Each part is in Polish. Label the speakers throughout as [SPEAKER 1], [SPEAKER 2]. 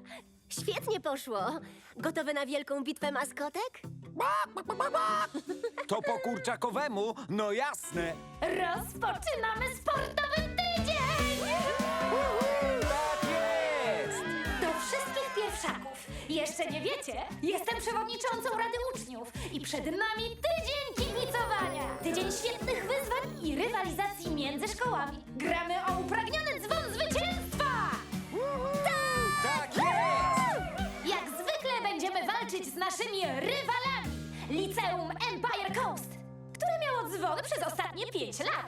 [SPEAKER 1] Świetnie poszło. Gotowe na wielką bitwę maskotek?
[SPEAKER 2] To po kurczakowemu, no jasne.
[SPEAKER 3] Rozpoczynamy sportowy tydzień!
[SPEAKER 2] Tak jest!
[SPEAKER 3] Do wszystkich pierwszaków. Jeszcze nie wiecie? Jestem przewodniczącą Rady Uczniów i przed nami tydzień kibicowania. Tydzień świetnych wyzwań i rywalizacji między szkołami. Gramy o upragniony dzwon zwycięstwa!
[SPEAKER 2] Tak jest!
[SPEAKER 3] Jak zwykle będziemy walczyć z naszymi rywalami. Liceum Empire Coast, które miało dzwony przez ostatnie 5 lat.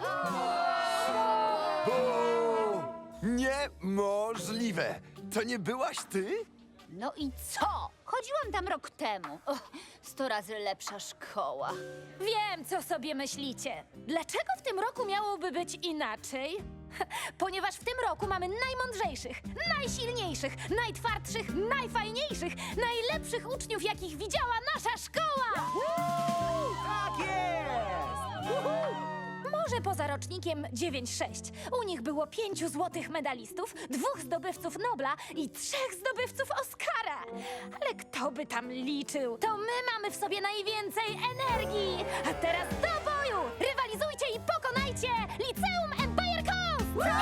[SPEAKER 4] Niemożliwe! To nie byłaś ty?
[SPEAKER 5] No i co? Chodziłam tam rok temu. 100 razy lepsza szkoła.
[SPEAKER 3] Wiem, co sobie myślicie. Dlaczego w tym roku miałoby być inaczej? Ponieważ w tym roku mamy najmądrzejszych, najsilniejszych, najtwardszych, najfajniejszych, najlepszych uczniów, jakich widziała nasza szkoła!
[SPEAKER 2] Tak jest!
[SPEAKER 3] Może poza rocznikiem 9-6. U nich było 5 złotych medalistów, 2 zdobywców Nobla i 3 zdobywców Oscara. Ale kto by tam liczył? To my mamy w sobie najwięcej energii! A teraz do boju! Rywalizujcie i pokonajcie Liceum Empire Coast!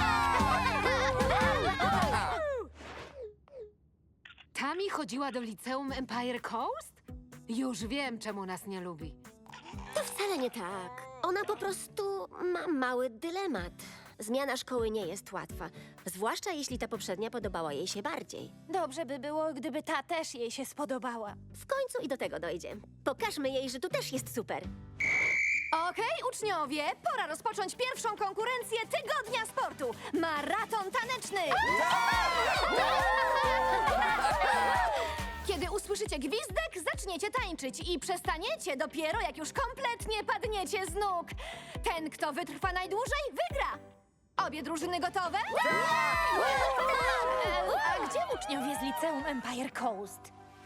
[SPEAKER 6] Tami chodziła do liceum Empire Coast? Już wiem, czemu nas nie lubi.
[SPEAKER 1] To wcale nie tak. Ona po prostu ma mały dylemat. Zmiana szkoły nie jest łatwa, zwłaszcza jeśli ta poprzednia podobała jej się bardziej.
[SPEAKER 3] Dobrze by było, gdyby ta też jej się spodobała.
[SPEAKER 1] W końcu i do tego dojdzie. Pokażmy jej, że tu też jest super.
[SPEAKER 5] Okej, uczniowie, pora rozpocząć pierwszą konkurencję tygodnia sportu. Maraton taneczny! Kiedy usłyszycie gwizdek, zaczniecie tańczyć i przestaniecie dopiero, jak już kompletnie padniecie z nóg. Ten, kto wytrwa najdłużej, wygra. Obie drużyny gotowe?
[SPEAKER 3] A gdzie uczniowie z Liceum Empire Coast?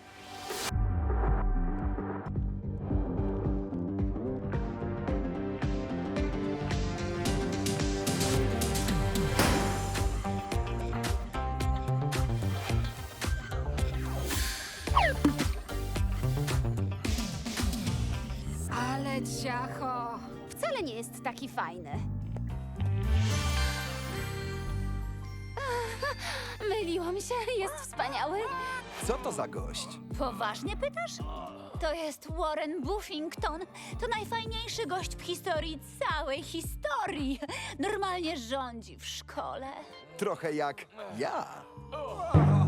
[SPEAKER 6] Ale ciacho!
[SPEAKER 5] Wcale nie jest taki fajny. Myliłam się, jest wspaniały.
[SPEAKER 4] Co to za gość?
[SPEAKER 5] Poważnie pytasz? To jest Warren Buffington. To najfajniejszy gość w historii całej historii. Normalnie rządzi w szkole.
[SPEAKER 4] Trochę jak ja.